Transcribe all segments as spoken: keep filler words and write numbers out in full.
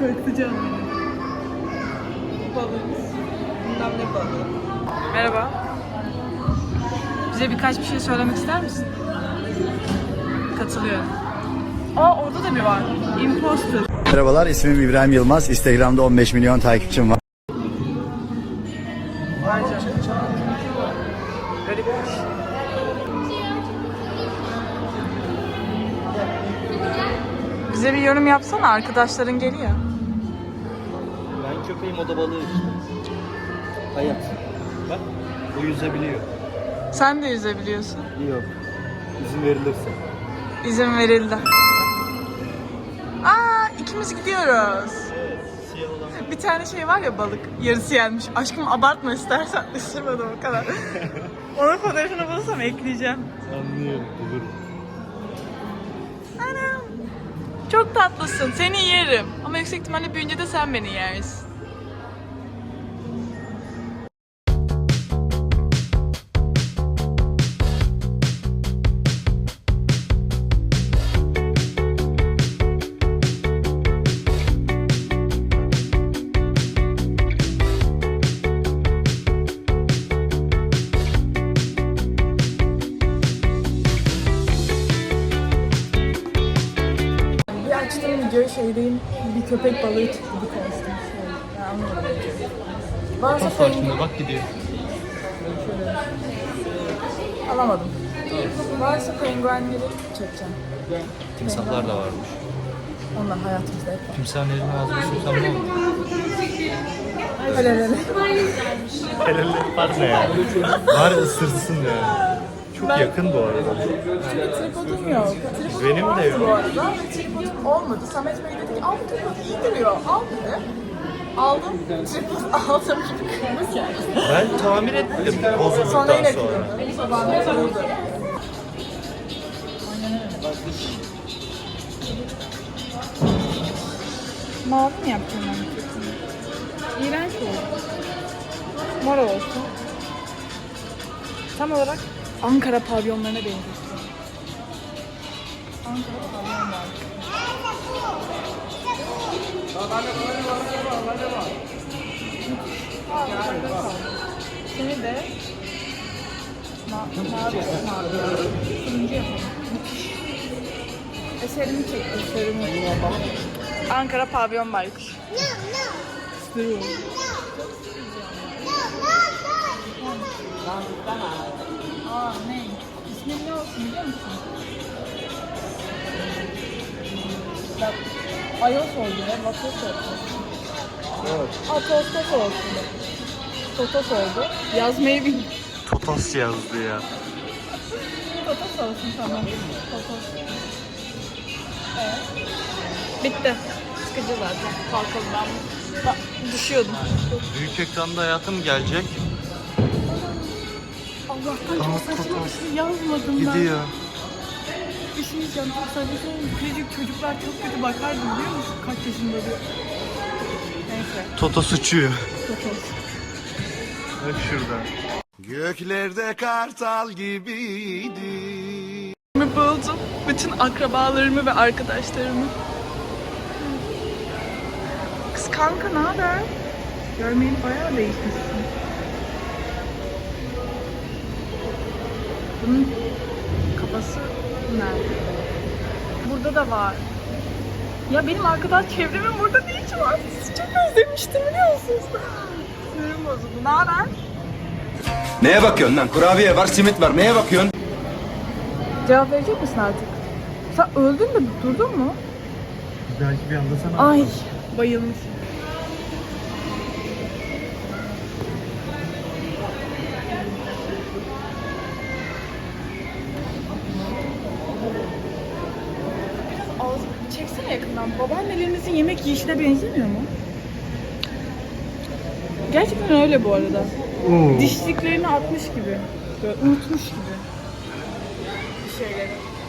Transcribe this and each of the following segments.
Korkutacağım beni. Balığımız. Bilmem ne balığı. Merhaba. Bize birkaç bir şey söylemek ister misin? Katılıyorum. Aa orada da bir var. Imposter. Merhabalar, ismim İbrahim Yılmaz. Instagram'da on beş milyon takipçim var. Bence. Garipmiş. Bize bir yorum yapsana, arkadaşların geliyor. Ben köpeğim, o da balığı işte. Hayat. Bak, o yüzebiliyor. Sen de yüzebiliyorsun. Yok. İzin verilirse. İzin verildi. Aa, ikimiz gidiyoruz. Evet, siyah olan. Bir tane şey var ya, balık yarısı yenmiş. Aşkım abartma istersen, ısırmadım o kadar. Onun fotoğrafını bulursam ekleyeceğim. Anlıyorum, bulurum. Anam. Çok tatlısın. Seni yerim. Ama yüksek ihtimalle büyüyünce de sen beni yersin. Bir açtığım videoyu şeydeyim, bir köpek balığı çıktı, bir konuştum. Ben anlamadım. Varsa penguen... Bak gidiyor. Alamadım. Varsa penguenleri çekeceğim. Timsahlar da varmış. Onlar hayatımızda hep var. Timsahın elini ağzına sürsem ne olur? Hele hele. Helal var ne ya? Var ısırsın ya. Çok Ben- yakın bu arada. Çünkü tripodum yok. Tripodum Benim de vardı yok. bu arada. Tripodum olmadı. Samet Bey dedi ki al bu tripod iyi duruyor. Al dedi. Aldım. Tripod aldım. Kırmızı yani. Ben tamir ettim bozulduktan Sonra yine sonra. kırıldı. Sabahında kırıldı. Mavi mi yapacağım ben? İğrenç oldu. Mor olsun. Tam olarak Ankara pavyonlarına benziyor. Ankara pavyon var. Seni de ma mavi mavi. Turuncu yapalım. Eserimi çektim, eserimi. Ankara pavyon baykuş. İstiyorum. Aa ne? İsmi ne olsun biliyor musun? Bak, Ayos oldu ya, Vatos oldu. Evet. Aa, Tostos olsun. Totos oldu. Yazmayı bil. Totos yazdı ya. Totos olsun tamam. Totos. Evet. Bitti. Sıkıcı zaten. Kalkalım ben. Bak, düşüyordum. Büyük ekranda hayatım gelecek. Allah'tan Aa, çok saçma Totos. bir şey yazmadım ben. Gidiyor. Bir şey diyeceğim, çok saçma şey. Küçücük çocuklar çok kötü bakardı biliyor musun? Kaç yaşında diyor. Neyse. Totos uçuyor. Totos. Bak şurada. Göklerde kartal gibiydi. Buldum. Bütün akrabalarımı ve arkadaşlarımı. Kız kanka ne haber? Görmeyeli bayağı değişmişsin. Bunun kafası nerede? Burada da var. Ya benim arkadaş çevremin burada ne işi var? Sizi çok özlemiştim biliyor musunuz? Sinirim bozuldu. Ne haber? Neye bakıyorsun lan? Kurabiye var, simit var. Neye bakıyorsun? Cevap verecek misin artık? Sen öldün mü? Durdun mu? Belki bir anda sana... Ay bayılmış. Biraz ağzı çeksene yakından. Babaannelerinizin yemek yiyişine benzemiyor mu? Gerçekten öyle bu arada. Oo. Dişliklerini atmış gibi. Böyle unutmuş gibi. Bir şeyleri.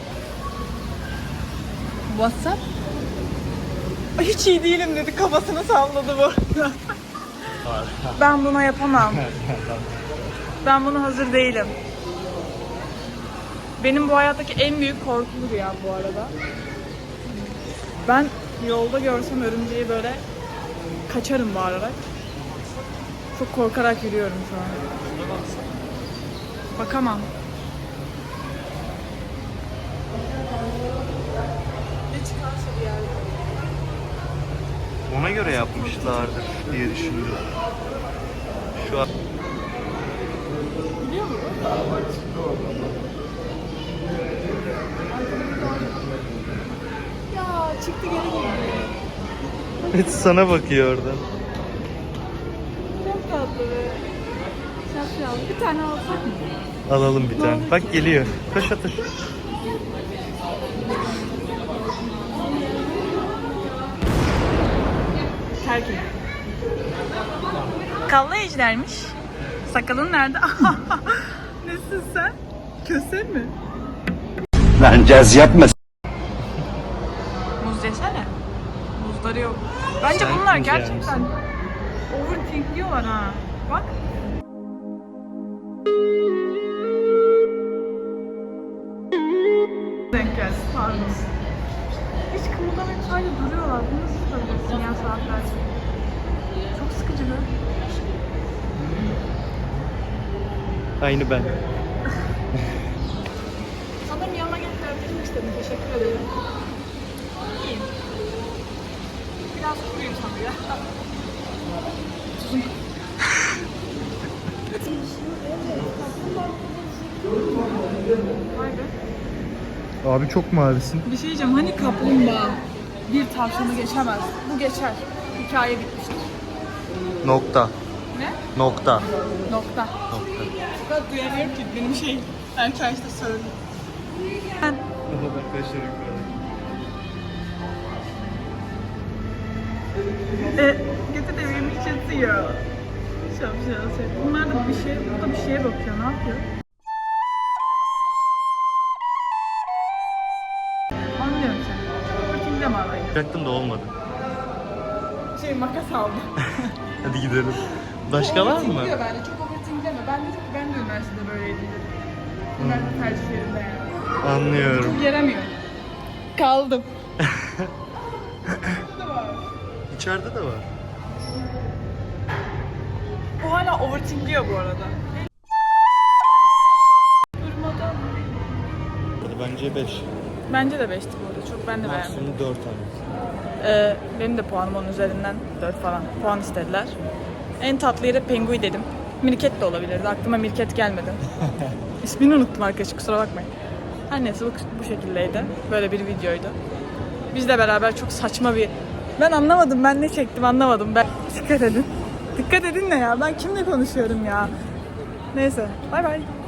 WhatsApp? Ay, hiç iyi değilim dedi, kafasını salladı bu arada. Ben buna yapamam. Ben buna hazır değilim. Benim bu hayattaki en büyük korkum rüyam bu arada. Ben Yolda görsem örümceği böyle kaçarım bağırarak. Çok korkarak yürüyorum şu an. Bakamam. Ne çıkarsa bir yerde. Ona göre yapmışlardır diye düşündüm. Şu an Biliyor musun? Ya çıktı geri geldi. evet, sana bakıyor oradan. Çok tatlı be. Şapşal. Bir tane alsak mı? Alalım bir tane. Bak geliyor. Koş otur. Terk et. Kavla ejdermiş. Sakalın nerede? Nesin sen? Köse mi? Lan caz yapma. Muz yesene. Muzları yok. Bence Sen bunlar muz yer gerçekten overthinkliyorlar ha. Bak. Denk gelsin. Pardon. Hiç kımıldamayıp sadece duruyorlar. Bu nasıl tutabilirsin ya saatlerce? Çok sıkıcı be. Aynı ben. Sanırım yanına gelip öptüm istedim. Teşekkür ederim. İyiyim. Biraz kuruyum sanırım ya. Vay be. Abi çok mavisin. Bir şey diyeceğim. Hani kaplumbağa bir tavşanı geçemez. Bu geçer. Hikaye bitmiştir. Nokta. Ne? Nokta. Nokta. Nokta. Ben duyamıyorum ki. Benim şey. Erken işte söyleyeyim. Ben E, götü de benim hiç yatıyor. Şapşal şey. Bunlar da bir şey, bu da bir şeye bakıyor. Ne yapıyor? Anlıyorum seni. Bakayım mi alayım? Bıraktım da olmadı. Şey makas aldım. Hadi gidelim. Başka var mı? Overthinkliyor bence. Çok overthinkleme. Ben dedim ki ben de üniversitede böyleydim dedim. Üniversite tercihlerimde yani. Anlıyorum. Çok yaramıyor. Kaldım. Burada var. İçeride de var. Bu hala overthinkliyor bu arada. Durmadan. Bence beş. Bence de beşti bu arada. Çok ben de beğendim. Maksimum dört tane. Ee, benim de puanım onun üzerinden dört falan. Puan istediler. En tatlı yere Pengui dedim. Mirket de olabilirdi. Aklıma Mirket gelmedi. İsmini unuttum arkadaşlar, kusura bakmayın. Her neyse bu, bu şekildeydi. Böyle bir videoydu. Biz de beraber çok saçma bir... Ben anlamadım, ben ne çektim anlamadım. Ben... Dikkat edin. Dikkat edin ne ya? Ben kimle konuşuyorum ya? Neyse, bay bay.